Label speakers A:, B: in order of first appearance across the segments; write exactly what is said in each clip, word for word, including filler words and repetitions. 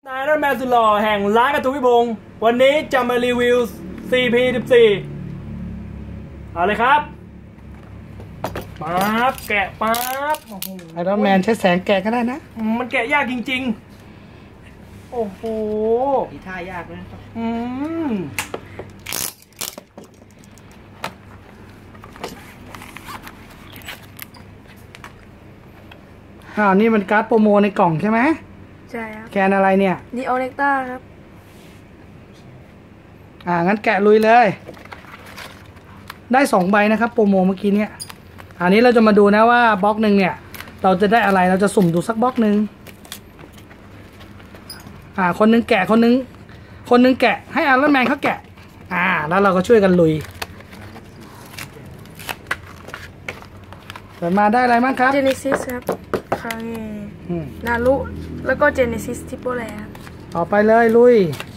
A: นายรัตแมนสุดหล่อแห่งร้านกระทุวิพงศ์วันนี้จะมารีวิว ซี พี สิบสี่ เอาเลยครับปั๊บแกะปั๊บ
B: ไอรอนแมนใช้แสงแกะก็ได้นะ
A: มันแกะยากจริงๆโอ้โห
C: มีท่ายากนะครับ
A: อืม
B: อ่านี่มันการ์ดโปรโมในกล่องใช่ไหม
D: ใช่ครับ
B: แคนอะไรเนี่ย
D: นีโอเน็กต้าครับ
B: อ่างั้นแกะลุยเลยได้สองใบนะครับโปรโมเมื่อกี้เนี่ยอันนี้เราจะมาดูนะว่าบล็อกหนึ่งเนี่ยเราจะได้อะไรเราจะสุ่มดูสักบล็อกหนึ่งอ่าคนนึงแกะคนนึงคนนึงแกะให้ไอรอนแมนเขาแกะอ่าแล้วเราก็ช่วยกันลุยเปิดมาได้อะไรบ้างครับ
D: เจเนซิสครับคาเงนารุแล้วก็เจเนซิสทิปโปแลครับ
B: ต่อไปเลยลุย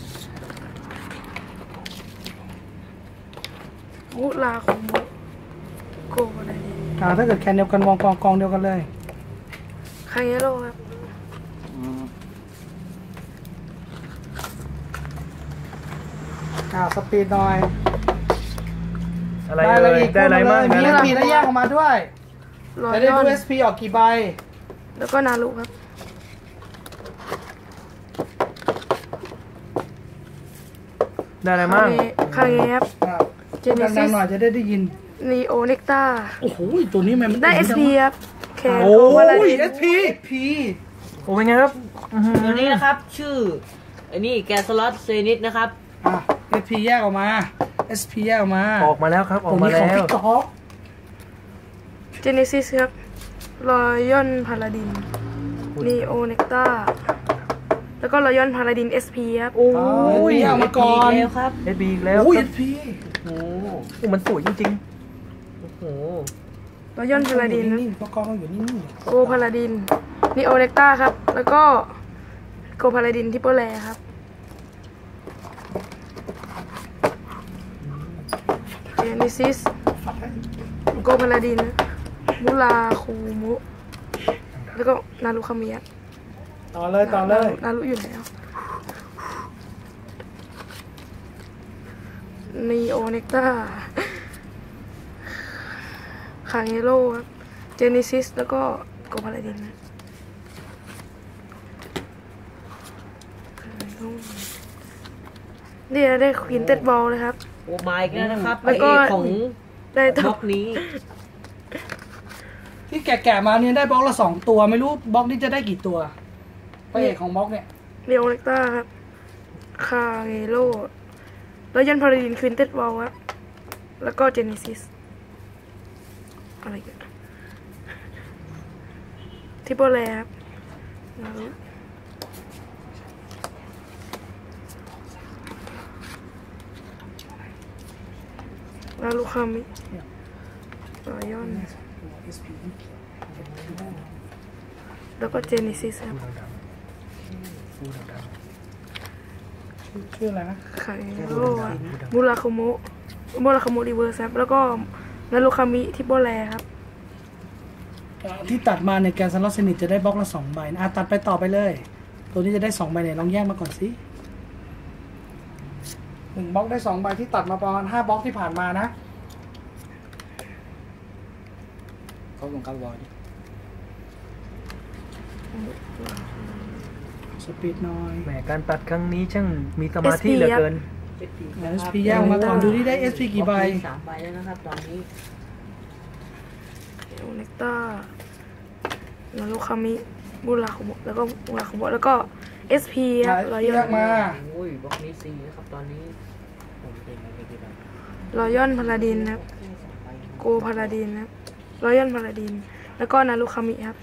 D: มุลาคงมุโกอะไรเนี่ย
B: อ่าถ้าเกิดแคนเดียวกันมองกองกองเดียวกันเลย
D: คาเงโร่ครับ
B: อ่าสปีดหน่อย
A: อะไรเลยได้อะไรมาก
B: มี เอส พี ได้แยกออกมาด้วยจะได้ดู เอส พี ออกกี่ใบ
D: แล้วก็นารุครับ
A: ได้อะไรมาก
D: คาเงครับ
B: เจเนซิสหน่อยจะได้ได้ยิน
D: นีโอเน็กต้า
B: โอ้โหตัวนี้มัน
D: ได้ เอส พี ครับ
B: โอ้ย เอส พี พี
A: โอ้เป็นไงครับ
C: ตัวนี้นะครับชื่ออันนี้แกสล็อตเซนิสนะครับ
B: อ่ะ เอส พี แยกออกมา เอส พี แยกออกมา
A: ออกมาแล้วครับออกมาแล้ว
D: เจเนซิสครับรอยอนพาราดินนีโอเน็กต้าแล้วก็รอยอนพาราดิน เอส พี ครับ
B: โอ้ยเอามาก่อน
C: ครับ
A: เอส พี อีกแล้ว
B: โอ้ย เอส พี
A: โอ้โหมันสวยจริงๆโอ้โห
D: รอยอนพาราดิน
B: นี่ปกองอยู่นี่
D: โกพาราดินนีโอเน็กต้าครับแล้วก็โกพาราดินทิปโปแลครับเจเนซิสโกพาราดินมุลาคูมุแล้วก็นารุคามิยะ
B: ต่อเลยต่อเลย
D: นารุอยู่แล้วนีโอเน็กต้าคาเงโร่ครับเจเนซิสแล้วก็โกพาราดินนะนี่ได้ควีนเต็ดบอลเลยครับ
C: โอ้มาอีกแล้วนะครับแล้วก็ของ
D: ได้
C: บล็อกนี้
B: ที่แกะๆมาเนี่ยได้บล็อกละสองตัวไม่รู้บล็อกนี้จะได้กี่ตัวพระเอกของบล็อกเนี่ย
D: นีโอเน็กต้าครับคาเงโร่แล้วยันพาราดินควีนเต็ดบอลครับแล้วก็เจเนซิสอะไรกันทิปโปแลครับนารุคามิรอยอนแล้วก็เจเนซิสครับ
B: ชื่ออะไรนะ
D: คาเงโร่มูราคาโมมูราคาโมรีเวิร์สครับแล้วก็นารุคามิทิปโปแลครับ
B: ที่ตัดมาในแกนซันลอสเซนิตจะได้บล็อกละสองใบอ่ะตัดไปต่อไปเลยตัวนี้จะได้สองใบเนี่ยลองแยกมาก่อนสิหนึ่งบล็อกได้สองใบที่ตัดมาประมาณห้าบล็อกที่ผ่านมานะเขาลงการบอลสปีดน้อย
A: แหมการตัดครั้งนี้ช่างมีสมาธิเหลือเกิน
B: เอส พี แยกมาก่อนดูที่ได้ เอส พี กี่ใบ
C: สามใบแล้วนะครับตอนนี้
D: โอเน็กต้านารุคามิบุราคุโมแล้วก็บุราคุโมแล้วก็ เอส พี ครับรอยอน
B: มา
C: โอ้ยบล็อกนี้ซีนะครับตอนนี้
D: รอยอนพาราดินครับโกพาราดินครับรอยอนพาราดินแล้วก็นารุคามิครับ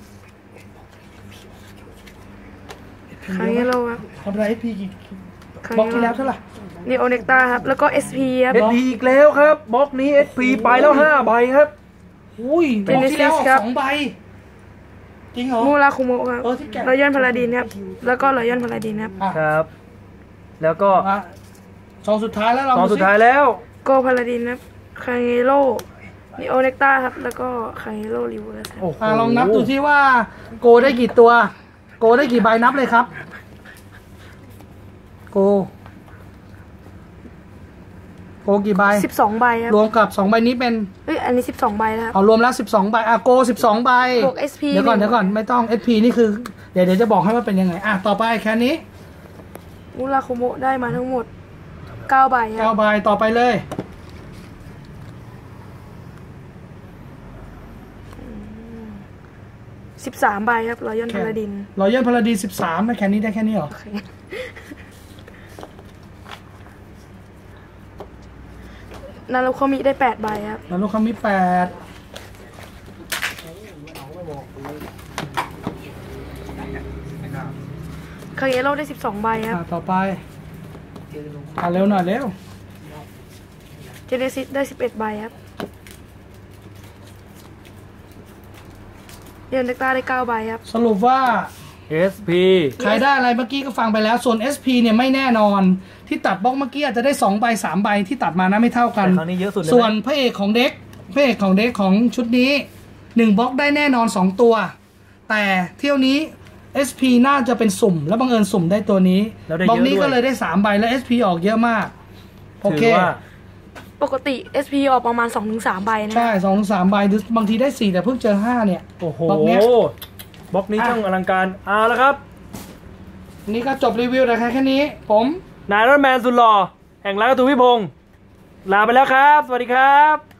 D: คาเงโร่ครับ
B: ทำไร เอส พี กี่บล็อกที่แล้วเท่าไหร่
D: นีโอเน็กต้าครับแล้วก็ เอส พี ครับ
A: เอส พี อีกแล้วครับบล็อกนี้ เอส พี ไปแล้วห้าใบครับ
B: อุ้ยบล็อกที่แล้วสองใบจริงเหรอ
D: มูราคุโมะครับรอยอนพาราดินครับแล้วก็รอยอนพาราดินครับ
A: ครับแล้วก็
B: สองสุดท้ายแล้วเรา
A: สองสุดท้ายแล้ว
D: โกพาราดินครับคาเงโร่นีโอเน็กต้าครับแล้วก็คาเงโร่รีเวิร์ส
B: ครับลองนับดูที่ว่าโกได้กี่ตัวโกได้กี่ใบนับเลยครับโกโกกี่ใบ
D: สิบสองใบครับ
B: รวมกับสองใบนี้เป็น
D: เอ้ยอันนี้สิบสองใบแล้วครับ
B: เอารวมแล้วสิบสองใบอ่ะโกสิบสองใบบ
D: วก เอส พี
B: เดี๋ยวก่อนเดี๋ยวก่อนไม่ต้อง เอส พี นี่คือเดี๋ยวเดี๋ยวจะบอกให้ว่าเป็นยังไงอ่ะต่อไปแค่นี้
D: มุราโคโมะได้มาทั้งหมดเก้าใบค
B: เก้า
D: รับ
B: ใบต่อไปเลย
D: สิบสามใบครับรอยอนพาราดิน
B: รอยัลพาราดีสิบสามนะแค่นี้ได้แค่นี้เหรอ
D: นารุโคมิได้แปดใบครับ
B: แล้วลูกค้ามีแปด
D: คาเกโร่ได้สิบสองใบครับ
B: อ่ะต่อไปอ่ะเร็วหน่อยเร็ว
D: เจเนซิสได้สิบเอ็ดใบครับเรียนเด็กตาได้เก้าใบครับ
B: สรุปว่า
A: เอส พี
B: ใครได้อะไรเมื่อกี้ก็ฟังไปแล้วส่วน เอส พี เนี่ยไม่แน่นอนที่ตัดบล็อกเมื่อกี้อาจจะได้สองใบสามใบที่ตัดมานะไม่เท่ากัน
A: แต่ครั้งนี้เยอะสุดเลย
B: ส่วน
A: ไหม
B: พระเอกของเด็กพระเอกของเด็กของชุดนี้หนึ่งบล็อกได้แน่นอนสองตัว แต่เที่ยวนี้ เอส พี น่าจะเป็นสุ่มแล้วบังเอิญสุ่มได้ตัวนี้
A: แล้วได้
B: บล็อก
A: เยอะ
B: นี้
A: ด้ว
B: ก็
A: ย
B: เลยได้สามใบแล้ว เอส พี ออกเยอะมากโอเค
A: ถือว่า
D: ปกติ เอส พี ออกประมาณ สองถึงสาม ใบนะ
B: ใช่สองถึงสามใบหรือบางทีได้สี่แต่เพิ่งเจอห้าเนี่ย
A: โอ้โห
B: บล็อกเนี้ย
A: บล็อกนี้
B: อ่ะ
A: ช่างอลังการเอาละครับ
B: นี่ก็จบรีวิวแต่แค่นี้ผม
A: นายรอนแมนสุดหล่อแห่งร้านการ์ตูนพิพงศ์ลาไปแล้วครับ สวัสดีครับ